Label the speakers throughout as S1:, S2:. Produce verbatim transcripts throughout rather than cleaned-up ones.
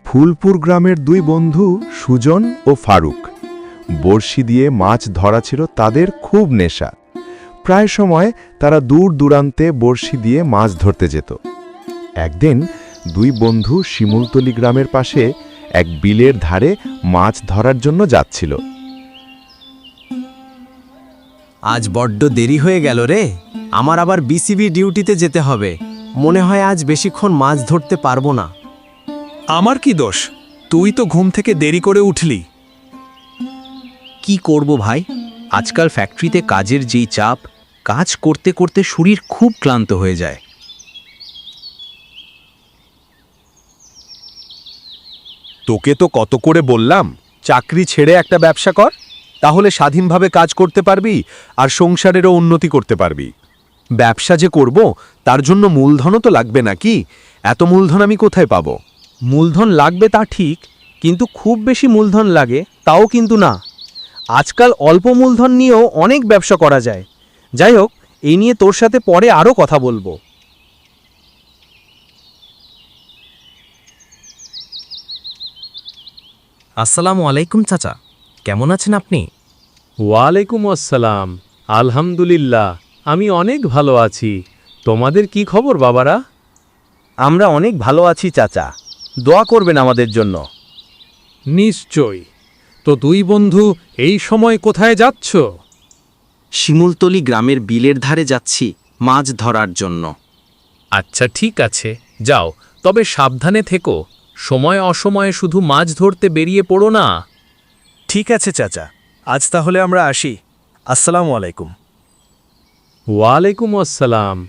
S1: ফুলপুর গ্রামের দুই বন্ধু সুজন ও ফারুক বড়শি দিয়ে মাছ ধরা ছিল তাদের খুব নেশা। প্রায় সময় তারা দূর দূরান্তে বড়শি দিয়ে মাছ ধরতে যেত। একদিন দুই বন্ধু শিমুলতলি গ্রামের পাশে এক বিলের ধারে মাছ ধরার জন্য যাচ্ছিল।
S2: আজ বড্ড দেরি হয়ে গেল রে, আমার আবার বিসিবি ডিউটিতে যেতে হবে। মনে হয় আজ বেশিক্ষণ মাছ ধরতে পারবো না।
S3: আমার কি দোষ? তুই তো ঘুম থেকে দেরি করে উঠলি।
S2: কি করব ভাই, আজকাল ফ্যাক্টরিতে কাজের যেই চাপ, কাজ করতে করতে শরীর খুব ক্লান্ত হয়ে যায়।
S3: তোকে তো কত করে বললাম চাকরি ছেড়ে একটা ব্যবসা কর, তাহলে স্বাধীনভাবে কাজ করতে পারবি আর সংসারেরও উন্নতি করতে পারবি। ব্যবসা যে করব তার জন্য মূলধনও তো লাগবে নাকি? এত মূলধন আমি কোথায় পাবো?
S4: মূলধন লাগবে তা ঠিক, কিন্তু খুব বেশি মূলধন লাগে তাও কিন্তু না। আজকাল অল্প মূলধন নিয়েও অনেক ব্যবসা করা যায়। যাই হোক, এই নিয়ে তোর সাথে পরে আরও কথা বলবো।
S2: আসসালামু আলাইকুম চাচা, কেমন আছেন আপনি?
S4: ওয়ালাইকুম আসসালাম। আলহামদুলিল্লাহ, আমি অনেক ভালো আছি। তোমাদের কি খবর বাবারা?
S5: আমরা অনেক ভালো আছি চাচা, দোয়া করবেন আমাদের জন্য।
S4: নিশ্চয়ই। তো দুই বন্ধু এই সময় কোথায় যাচ্ছ?
S2: শিমুলতলি গ্রামের বিলের ধারে যাচ্ছি মাছ ধরার জন্য।
S6: আচ্ছা ঠিক আছে, যাও, তবে সাবধানে থেকো। সময় অসময়ে শুধু মাছ ধরতে বেরিয়ে পড়ো না।
S5: ঠিক আছে চাচা, আজ তাহলে আমরা আসি। আসসালামু আলাইকুম।
S4: ওয়ালাইকুম আসসালাম।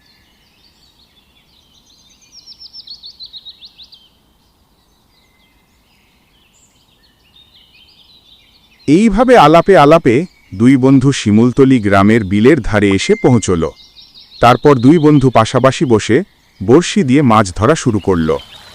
S1: এইভাবে আলাপে আলাপে দুই বন্ধু শিমুলতলি গ্রামের বিলের ধারে এসে পৌঁছল। তারপর দুই বন্ধু পাশাপাশি বসে বড়শি দিয়ে মাছ ধরা শুরু করল।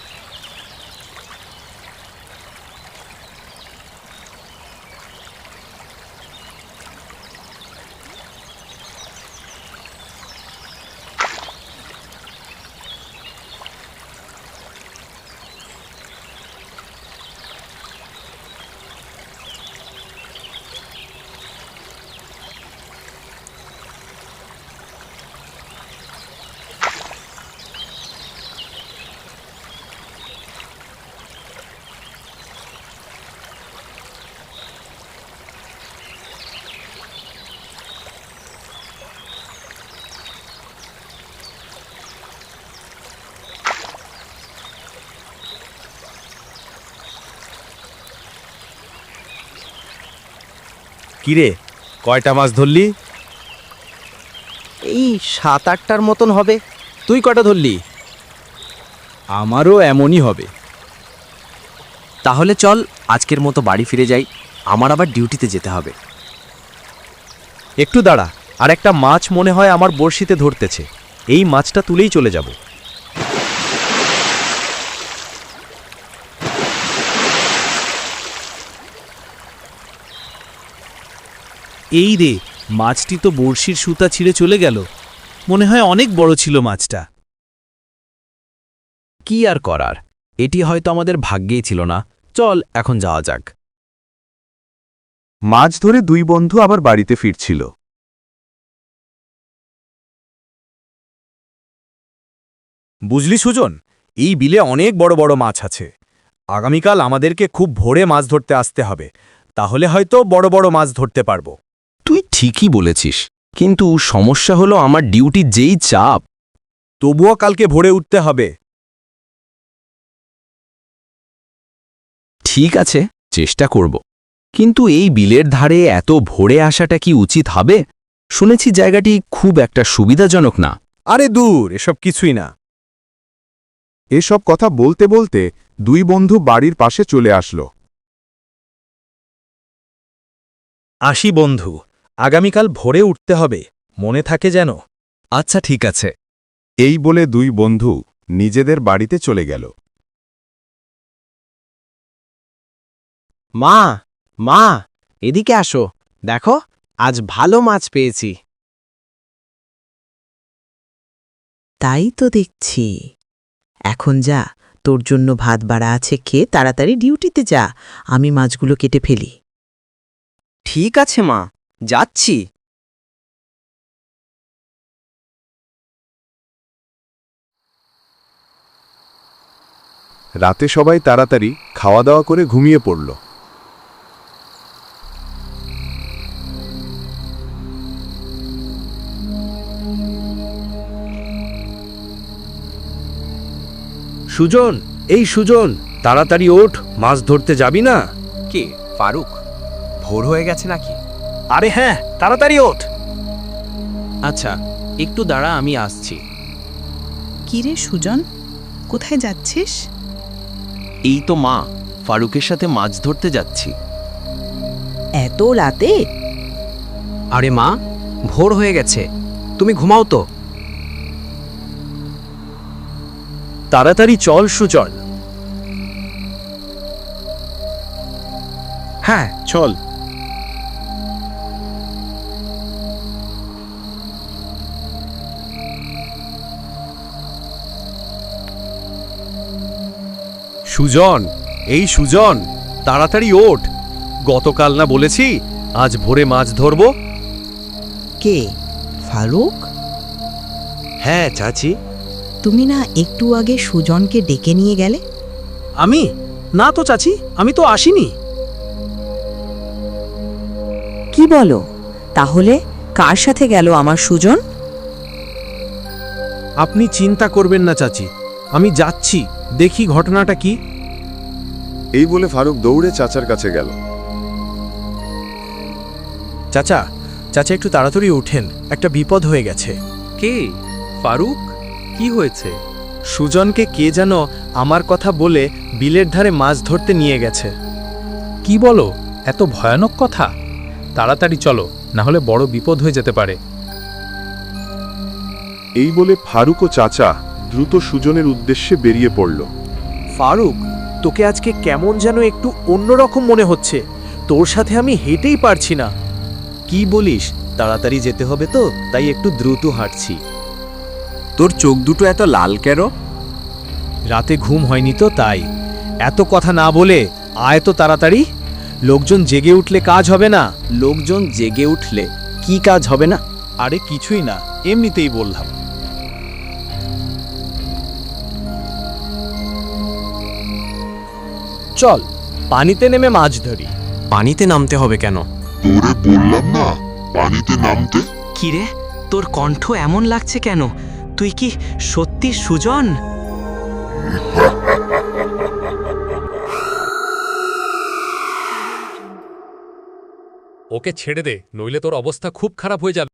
S5: কিরে, কয়টা মাছ ধরলি?
S2: এই সাত আটটার মতন হবে। তুই কটা ধরলি?
S5: আমারও এমনই হবে।
S2: তাহলে চল আজকের মতো বাড়ি ফিরে যাই, আমার আবার ডিউটিতে যেতে হবে।
S5: একটু দাঁড়া, আর একটা মাছ মনে হয় আমার বড়শিতে ধরতেছে। এই মাছটা তুলেই চলে যাব।
S4: এই রে, মাছটি তো বড়শির সুতা ছিঁড়ে চলে গেল। মনে হয় অনেক বড় ছিল মাছটা।
S2: কি আর করার, এটি হয়তো আমাদের ভাগ্যেই ছিল না। চল এখন যাওয়া যাক।
S1: মাছ ধরে দুই বন্ধু আবার বাড়িতে ফিরছিল।
S5: বুঝলি সুজন, এই বিলে অনেক বড় বড় মাছ আছে। আগামীকাল আমাদেরকে খুব ভোরে মাছ ধরতে আসতে হবে, তাহলে হয়তো বড় বড় মাছ ধরতে পারবো।
S2: তুই ঠিকই বলেছিস, কিন্তু সমস্যা হলো আমার ডিউটির যেই চাপ।
S5: তবুও কালকে ভোরে উঠতে হবে।
S2: ঠিক আছে, চেষ্টা করব। কিন্তু এই বিলের ধারে এত ভোরে আসাটা কি উচিত হবে? শুনেছি জায়গাটি খুব একটা সুবিধাজনক না।
S5: আরে দূর, এসব কিছুই না।
S1: এসব কথা বলতে বলতে দুই বন্ধু বাড়ির পাশে চলে আসলো।
S5: আসি বন্ধু, আগামীকাল ভোরে উঠতে হবে, মনে থাকে যেন।
S2: আচ্ছা ঠিক আছে।
S1: এই বলে দুই বন্ধু নিজেদের বাড়িতে চলে গেল।
S2: মা, মা, এদিকে আসো, দেখো আজ ভালো মাছ পেয়েছি।
S7: তাই তো দেখছি। এখন যা, তোর জন্য ভাত বাড়া আছে, খেয়ে তাড়াতাড়ি ডিউটিতে যা, আমি মাছগুলো কেটে ফেলি।
S8: ঠিক আছে মা, যাচ্ছি।
S1: রাতে সবাই তাড়াতাড়ি খাওয়া দাওয়া করে ঘুমিয়ে পড়ল।
S3: সুজন, এই সুজন, তাড়াতাড়ি ওঠ, মাছ ধরতে যাবি না?
S5: কে ফারুক? ভোর হয়ে গেছে নাকি?
S3: আরে হ্যাঁ, তাড়াতাড়ি ওঠ।
S2: আচ্ছা, একটু দাঁড়া, আমি আসছি।
S9: কিরে সুজন, কোথায় যাচ্ছিস?
S2: এই তো মা, ফারুকের সাথে মাছ ধরতে যাচ্ছি।
S7: এত রাতে?
S8: আরে মা, ভোর হয়ে গেছে, তুমি ঘুমাও তো।
S3: তাড়াতাড়ি চল সুজন।
S5: হ্যাঁ চল।
S3: সুজন, এই সুজন, তাড়াতাড়ি ওঠ। গতকাল না বলেছি আজ ভোরে মাছ ধরব?
S7: কে? ফারুক?
S3: হ্যাঁ চাচি।
S7: তুমি না একটু আগে সুজনকে ডেকে নিয়ে গেলে?
S4: আমি? না তো চাচি, আমি তো আসিনি।
S7: কি বলো? তাহলে কার সাথে গেল আমার সুজন?
S4: আপনি চিন্তা করবেন না চাচি, আমি যাচ্ছি, দেখি ঘটনাটা কি।
S1: এই বলে ফারুক দৌড়ে চাচার কাছে গেল।
S5: চাচা, চাচা একটু তাড়াতাড়ি ওঠেন, একটা বিপদ হয়ে গেছে।
S6: কে? ফারুক, কি হয়েছে?
S5: সুজনকে কে যেন আমার কথা বলে বিলের ধারে মাছ ধরতে নিয়ে গেছে।
S6: কি বলো? এত ভয়ানক কথা? তাড়াতাড়ি চলো, না হলে বড় বিপদ হয়ে যেতে পারে।
S1: এই বলে ফারুক ও চাচা দ্রুত সুজনের উদ্দেশ্যে বেরিয়ে পড়ল।
S5: ফারুক, তোকে আজকে কেমন যেন একটু অন্যরকম মনে হচ্ছে। তোর সাথে আমি হেঁটেই পারছি না। কি বলিস? তাড়াতাড়ি যেতে হবে তো, তাই একটু দ্রুত হাঁটছি।
S8: তোর চোখ দুটো এত লাল কেন?
S5: রাতে ঘুম হয়নি তো তাই। এত কথা না বলে আয় তো তাড়াতাড়ি। লোকজন জেগে উঠলে কাজ হবে না।
S8: লোকজন জেগে উঠলে কি কাজ হবে না?
S5: আরে কিছুই না, এমনিতেই বললাম। চল, পানিতে নেমে মাছ ধরি।
S8: পানিতে নামতে হবে কেন?
S10: তোরে বললাম না পানিতে নামতে।
S8: কিরে, তোর কণ্ঠ এমন লাগছে কেন? তুই কি সত্যি সুজন?
S6: ওকে ছেড়ে দে, নইলে তোর অবস্থা খুব খারাপ হয়ে যাবে।